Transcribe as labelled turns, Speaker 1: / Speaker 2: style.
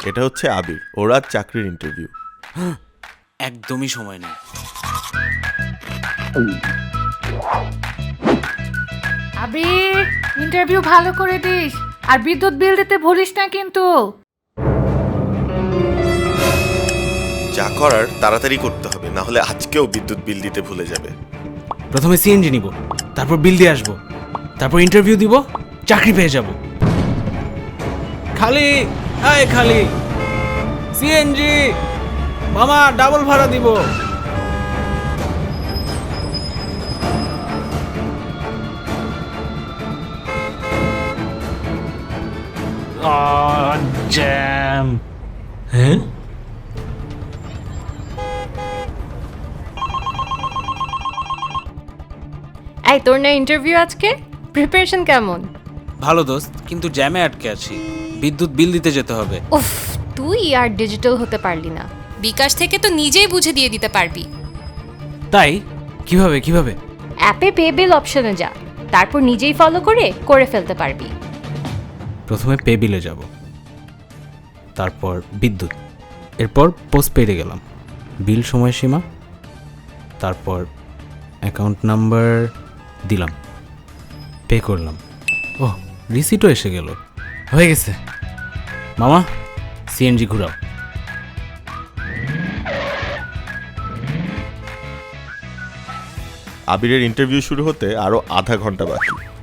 Speaker 1: এটা হচ্ছে আবির, ওর আজ চাকরির ইন্টারভিউ।
Speaker 2: একদমই সময় নেই।
Speaker 3: আবির, ইন্টারভিউ ভালো করে দিস, আর বিদ্যুৎ বিল দিতে ভুলিস না কিন্তু।
Speaker 1: যা করার তাড়াতাড়ি করতে হবে, না হলে আজকেও বিদ্যুৎ বিল দিতে ভুলে যাবে।
Speaker 2: প্রথমে সিএনজি নিব, তারপর বিল দিয়ে আসবো, তারপর ইন্টারভিউ দিব, চাকরি পেয়ে যাব। খালি আয় খালি সিএনজি মামা, ডাবল ভাড়া দিব। জ্যাম। হ্যাঁ,
Speaker 4: এই তোর না ইন্টারভিউ আজকে? প্রিপারেশন কেমন?
Speaker 2: ভালো দোস্ত, কিন্তু জ্যামে আটকে আছি। বিদ্যুৎ বিল দিতে যেতে হবে।
Speaker 4: উফ, তুই আর ডিজিটাল হতে পারলি না।
Speaker 5: বিকাশ থেকে তো নিজেই বুঝে দিয়ে দিতে পারবি।
Speaker 2: তাই কিভাবে কিভাবে?
Speaker 4: অ্যাপে পে বিল অপশনে যা, তারপর নিজেই ফলো করে ফেলতে পারবি।
Speaker 2: প্রথমে পে বিলে যাব, তারপর বিদ্যুৎ, এরপর পোস্টপেডে গেলাম, বিল সময়সীমা, তারপর অ্যাকাউন্ট নাম্বার দিলাম, পে করলাম। ওহ, রিসিটও এসে গেল। হয়ে গেছে। মামা, সিএনজি ঘুরাও।
Speaker 1: আবিরের ইন্টারভিউ শুরু হতে আরো আধা ঘন্টা বাকি।